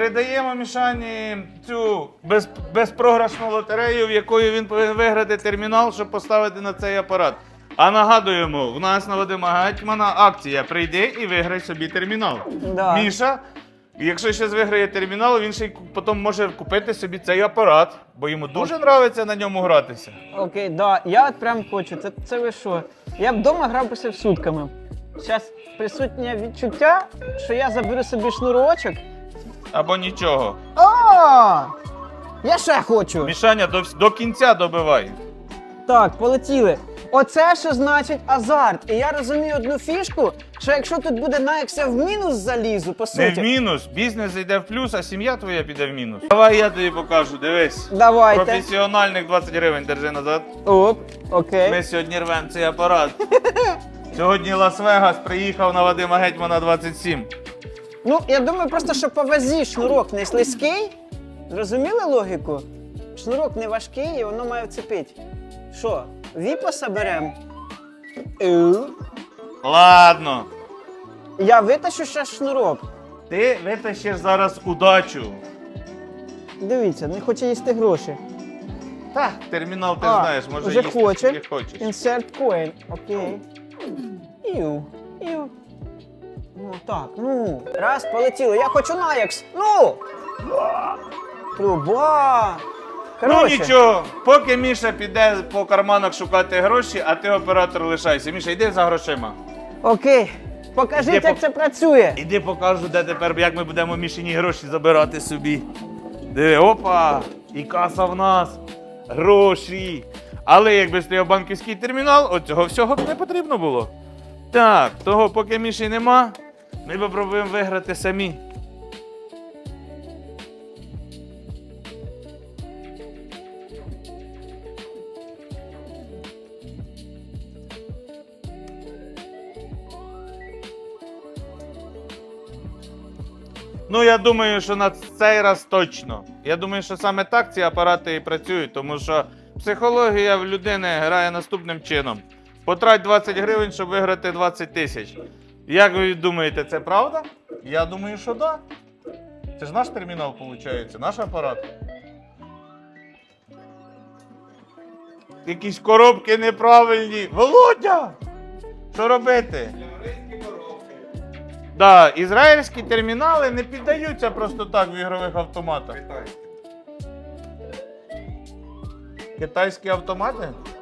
Передаємо Мішані цю безпрограшну лотерею, в якої він повинен виграти термінал, щоб поставити на цей апарат. А нагадуємо, в нас на Вадима Гетьмана акція «Прийди і виграй собі термінал». Да. Міша, якщо щось виграє термінал, він ще й потім може купити собі цей апарат, бо йому дуже подобається на ньому гратися. Окей, да, я от прям хочу. Це ви що? Я б вдома грав би сутками. Зараз присутнє відчуття, що я заберу собі шнурочок. Або нічого. О! Я ще хочу. Мішаня, до кінця добивай. Так, полетіли. Оце що значить азарт. І я розумію одну фішку, що якщо тут буде Nike, я в мінус залізу, по суті. Не в мінус, бізнес йде в плюс, а сім'я твоя піде в мінус. Давай я тобі покажу, дивись. Давайте. Професіональних 20 гривень держи назад. Оп, окей. Ми сьогодні рвемо цей апарат. Сьогодні Лас-Вегас приїхав на Вадима Гетьмана 27. Ну, я думаю просто, що по вазі шнурок не слизький. Зрозуміли логіку? Шнурок не важкий і воно має вцепити. Що, віпаса беремо? Ладно. Я витащу ще шнурок. Ти витащиш зараз удачу. Дивіться, не хоче їсти гроші. Та, термінал ти А, знаєш, може вже їсти хоче. скільки хочеш. Insert coin. Окей. Іу. Ну так, ну. Раз, полетіло. Я хочу Nike. Ну! Труба. Ну Короче, нічого, поки Міша піде по карманах шукати гроші, а ти оператор лишайся. Міша, йди за грошима. окей. Покажіть, Іди як це працює. Іди покажу, де тепер, як ми будемо Мішині гроші забирати собі. Диви, опа! І каса в нас. Гроші. Але якби стояв банківський термінал, от цього всього б не потрібно було. Так, того поки Міші нема, ми попробуємо виграти самі. Ну, я думаю, що на цей раз точно. Я думаю, що саме так ці апарати і працюють, тому що психологія в людини грає наступним чином. Потрать 20 гривень, щоб виграти 20 тисяч. Як ви думаєте, це правда? Я думаю, що так. Да. Це ж наш термінал, виходить, наш апарат. Якісь коробки неправильні. Володя! Що робити? Да, ізраїльські термінали не піддаються просто так в ігрових автоматах. Китайські автомати?